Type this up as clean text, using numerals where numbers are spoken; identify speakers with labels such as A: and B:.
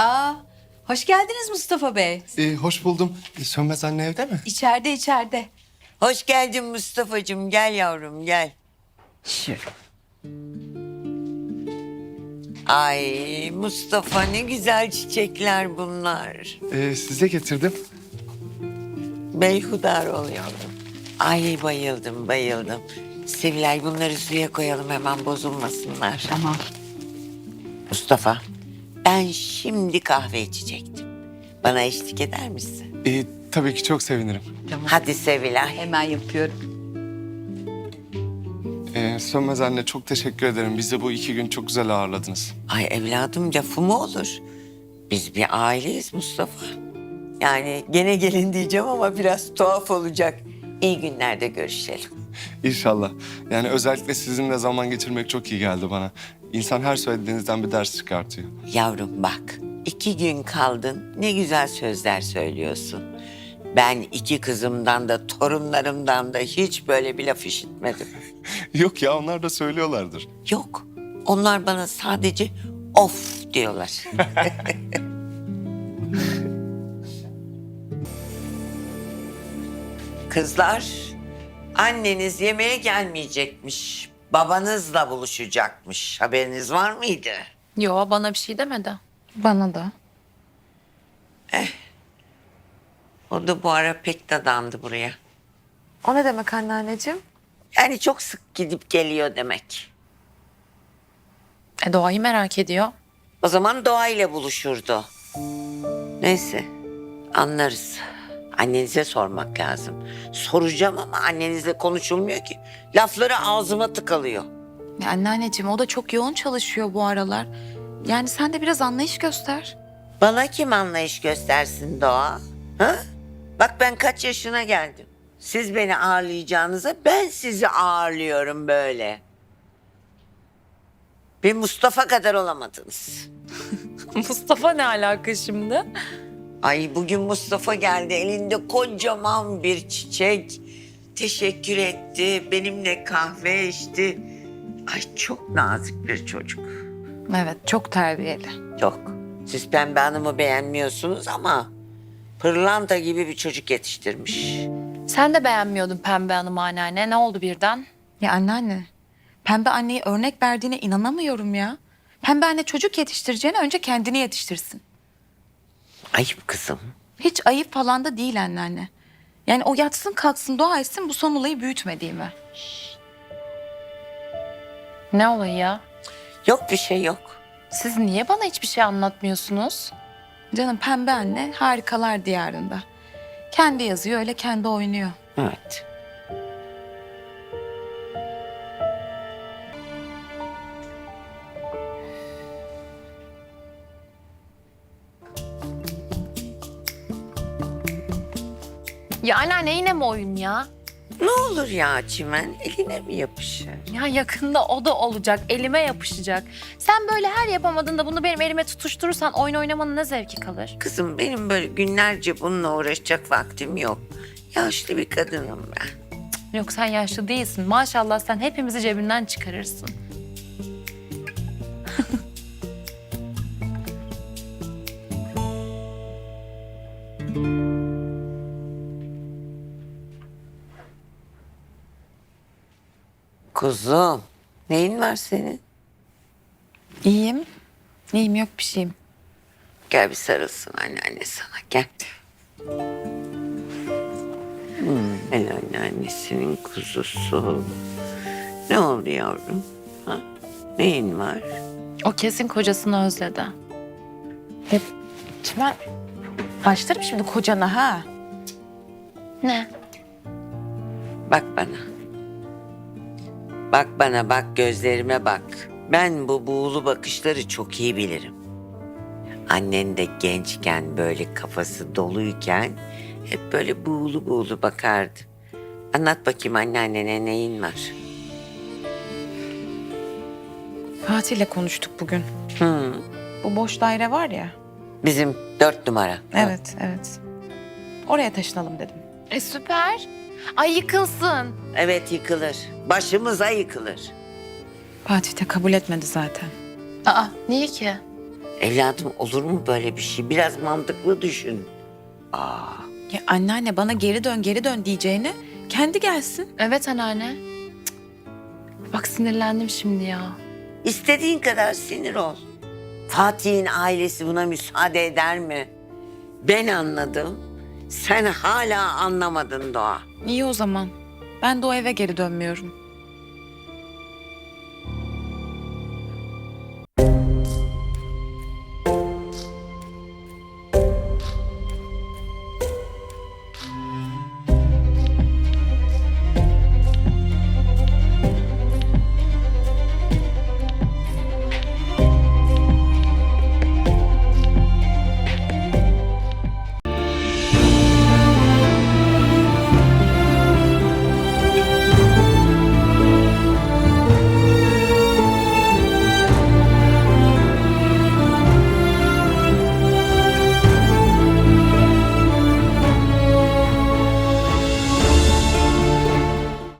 A: Aa, hoş geldiniz Mustafa Bey.
B: Hoş buldum. Sönmez anne evde mi?
A: İçeride.
C: Hoş geldin Mustafa'cığım. Gel yavrum gel.
A: Şöyle.
C: Ay Mustafa ne güzel çiçekler bunlar.
B: Size getirdim.
C: Beyhudar ol yavrum. Ay bayıldım. Sevilay bunları suya koyalım hemen bozulmasınlar.
A: Tamam.
C: Mustafa ben şimdi kahve içecektim. Bana eşlik eder misin?
B: Tabii ki çok sevinirim.
A: Tamam.
C: Hadi Sevilay.
A: Hemen yapıyorum.
B: Sönmez anne çok teşekkür ederim. Bizi bu 2 gün çok güzel ağırladınız.
C: Ay evladım lafı mı olur? Biz bir aileyiz Mustafa. Yani gene gelin diyeceğim ama biraz tuhaf olacak. İyi günlerde görüşelim.
B: İnşallah. Yani özellikle sizinle zaman geçirmek çok iyi geldi bana. İnsan her söylediğinizden bir ders çıkartıyor.
C: Yavrum bak, 2 gün kaldın, ne güzel sözler söylüyorsun. Ben 2 kızımdan da torunlarımdan da hiç böyle bir laf işitmedim.
B: Yok ya onlar da söylüyorlardır.
C: Yok, onlar bana sadece of diyorlar. Kızlar, anneniz yemeğe gelmeyecekmiş. Babanızla buluşacakmış. Haberiniz var mıydı?
D: Yo, bana bir şey demedi.
E: Bana da.
C: O da bu ara pek dadandı buraya.
E: O ne demek anneanneciğim?
C: Yani çok sık gidip geliyor demek.
D: Doğayı merak ediyor.
C: O zaman Doğa ile buluşurdu. Neyse, anlarız. Annenize sormak lazım. Soracağım ama annenizle konuşulmuyor ki. Lafları ağzıma tıkalıyor.
E: Ya anneanneciğim o da çok yoğun çalışıyor bu aralar. Yani sen de biraz anlayış göster.
C: Bana kim anlayış göstersin Doğa? Ha? Bak ben kaç yaşına geldim. Siz beni ağırlayacağınıza ben sizi ağırlıyorum böyle. Bir Mustafa kadar olamadınız.
D: Mustafa ne alaka şimdi?
C: Ay bugün Mustafa geldi elinde kocaman bir çiçek. Teşekkür etti, benimle kahve içti. Ay çok nazik bir çocuk.
E: Evet çok terbiyeli.
C: Çok. Siz Pembe Hanım'ı beğenmiyorsunuz ama pırlanta gibi bir çocuk yetiştirmiş.
D: Sen de beğenmiyordun Pembe Hanım anneanne. Ne oldu birden?
E: Ya anneanne, Pembe anneye örnek verdiğine inanamıyorum ya. Pembe anne çocuk yetiştireceğine önce kendini yetiştirsin.
C: Ayıp kızım.
E: Hiç ayıp falan da değil anneanne. Yani o yatsın kalksın dua etsin bu son olayı büyütmediğime.
D: Ne olayı ya?
C: Yok bir şey yok.
D: Siz niye bana hiçbir şey anlatmıyorsunuz?
E: Canım Pembe anne harikalar diyarında. Kendi yazıyor öyle kendi oynuyor.
C: Evet.
D: Ya anneanne yine mi oyun ya?
C: Ne olur ya Çimen eline mi yapışır?
D: Ya yakında o da olacak, elime yapışacak. Sen böyle her yapamadığında bunu benim elime tutuşturursan oyun oynamanın ne zevki kalır?
C: Kızım benim böyle günlerce bununla uğraşacak vaktim yok. Yaşlı bir kadınım ben.
D: Yok sen yaşlı değilsin. Maşallah sen hepimizi cebinden çıkarırsın.
C: Kuzum neyin var senin?
E: İyiyim. İyiyim yok bir şeyim.
C: Gel bir sarılsın anneanne sana gel. El anneannesinin kuzusu. Ne oldu yavrum? Ha? Neyin var?
D: O kesin kocasını özledi.
E: Çimen başlarım şimdi kocana ha.
D: Ne?
C: Bak bana. Bak bana bak gözlerime bak. Ben bu buğulu bakışları çok iyi bilirim. Annen de gençken böyle kafası doluyken hep böyle buğulu buğulu bakardı. Anlat bakayım anneannene neyin var?
E: Fatih'le konuştuk bugün.
C: Hı,
E: Bu boş daire var ya.
C: bizim 4 numara.
E: Evet, evet. Oraya taşınalım dedim.
D: Süper. Ay yıkılsın.
C: Evet yıkılır. Başımıza yıkılır.
E: Fatih de kabul etmedi zaten.
D: Aa niye ki?
C: Evladım olur mu böyle bir şey? Biraz mantıklı düşün.
E: Ya anneanne bana geri dön diyeceğine kendi gelsin.
D: Evet anneanne. Cık. Bak sinirlendim şimdi ya.
C: İstediğin kadar sinir ol. Fatih'in ailesi buna müsaade eder mi? Ben anladım. Sen hala anlamadın Doğa.
E: İyi o zaman. Ben de o eve geri dönmüyorum.